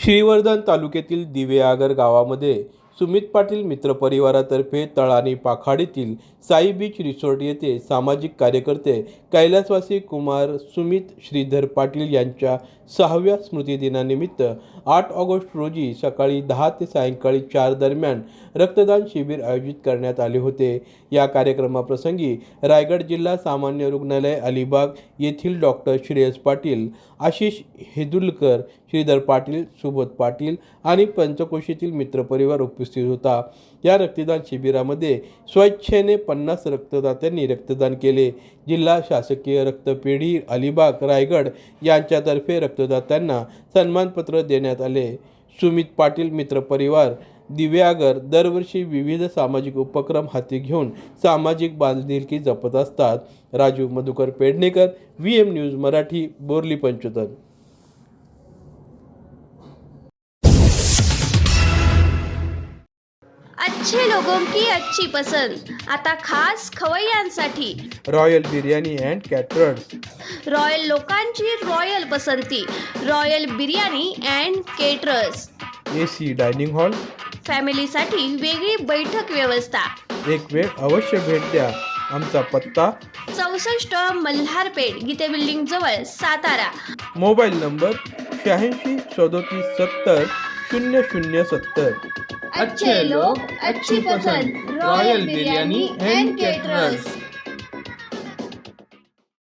श्रीवर्धन तालुक्यातील दिवेआगर गावामध्ये सुमित पाटील मित्रपरिवारातर्फे तळाणी पाखाडीतील साई बीच रिसॉर्ट येथे सामाजिक कार्यकर्ते कैलासवासी कुमार सुमित श्रीधर पाटील यांच्या 6व्या स्मृतिदिनानिमित्त 8 ऑगस्ट रोजी सकाळी 10 ते सायंकाळी 4 दरम्यान रक्तदान शिबिर आयोजित करण्यात आले होते। या कार्यक्रमाप्रसंगी रायगड जिल्हा सामान्य रुग्णालय अलिबाग येथील डॉक्टर श्रेयस पाटील, आशिष हेदुलकर, श्रीधर पाटील, सुबोध पाटील आणि पंचकोशीतील मित्रपरिवार उपस्थित होता। या रक्तदान शिबिरामध्ये स्वेच्छेने 50 रक्तदात्यांनी रक्तदान केले। जिल्हा शासकीय रक्तपेढी अलिबाग रायगड यांच्यातर्फे रक्तदात्यांना सन्मानपत्र देण्यात आले। सुमित पाटील मित्रपरिवार दिवेआगर दरवर्षी विविध सामाजिक उपक्रम हाती घेऊन सामाजिक बांधिलकी जपत असतात। Raju Madhukar Pednekar, VM news Marathi, Borli Panchotan. अच्छे लोगों की अच्छी पसंद आता खास खवय्यांसाठी royal biryani and caterers. Royal लोकांची रॉयल पसंती, royal biryani and caterers. AC dining hall, फॅमिलीसाठी वेगळी बैठक व्यवस्था। एक वेळ अवश्य भेट द्या। आमचा पत्ता 64 मल्हारपेठ, गीते बिल्डिंग जवळ, सातारा। Mobile number 86 37 70 0070। अच्छे लोग, अच्छी पसंद, रॉयल बिर्याणी अँड केटरर्स।